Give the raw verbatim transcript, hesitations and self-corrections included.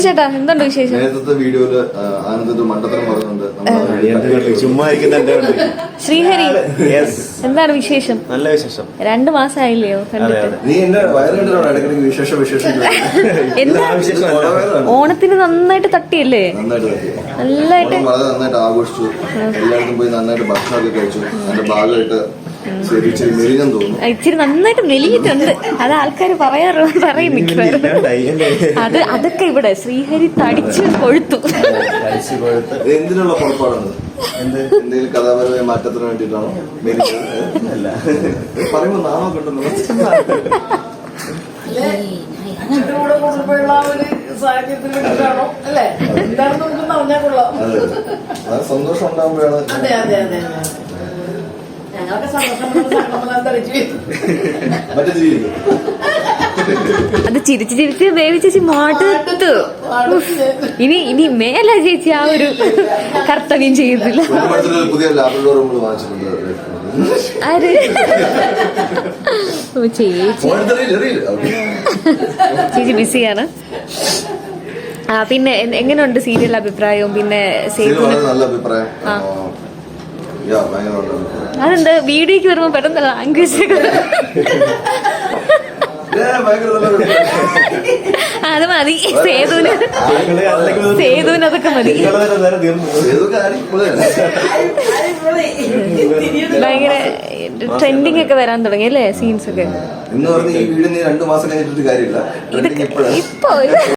ചേട്ടാ എന്തുണ്ട് വിശേഷം? നേരത്തെ വീഡിയോയില് ആനന്ദ മണ്ടത്തരം പറയുന്നുണ്ട്. ശ്രീഹരി എന്താണ് വിശേഷം? നല്ല വിശേഷം. രണ്ടു മാസമായില്ലയോ കണ്ടിട്ട്? നീ എന്റെ വയറിന്റെ ഇടയ്ക്കിടയ്ക്ക് വിശേഷ വിശേഷം എന്താ ഓണത്തിന് നന്നായിട്ട് തട്ടിയല്ലേ? നന്നായിട്ട് വളരെ നന്നായിട്ട് ആഘോഷിച്ചു. എല്ലായിടത്തും പോയി നന്നായിട്ട് ഭക്ഷണമൊക്കെ കഴിച്ചു. അതിന്റെ ഭാഗമായിട്ട് ഇച്ചിരി നന്നായിട്ട് മെലിഞ്ഞിട്ടുണ്ട്. അത് ആൾക്കാർ പറയാറ് പറയും മിക്കവാറും. അത് അതൊക്കെ ഇവിടെ ശ്രീഹരി തടിച്ച് കൊഴുത്തു. എന്തിനുള്ള പുറപ്പാടാണ്? എന്തെങ്കിലും കഥാപരമായ മാറ്റത്തിന് വേണ്ടിയിട്ടാണോ? പറയുമ്പോ നാമോ കിട്ടുന്നു. സന്തോഷം ഉണ്ടാകുമ്പോഴാണ് അത് ചിരിച്ച് ചിരിച്ച് ബേബി ചേച്ചി മാട്ടത്തു. ഇനി ഇനി മേല ചേച്ചി ആ ഒരു കർത്തവ്യം ചെയ്യുന്നില്ല. പുതിയ ലാപ്ടോപ്പ് നമ്മൾ വാങ്ങിച്ചിട്ടുണ്ട്. ആര്? ചേച്ചി ചേച്ചി ബിസിയാണ്. ആ പിന്നെ എങ്ങനെയുണ്ട് സീരിയൽ അഭിപ്രായവും? പിന്നെ നല്ല അഭിപ്രായം. അതെന്താ വീഡിയോക്ക് വരുമ്പോ പെട്ടെന്ന് ലാംഗ്വേജ് അത് മതി. സേതുവിന് സേതുവിന് അതൊക്കെ മതി. ഭയങ്കര ട്രെൻഡിങ് ഒക്കെ വരാൻ തുടങ്ങി അല്ലേ സീൻസ് ഒക്കെ. ഇപ്പൊ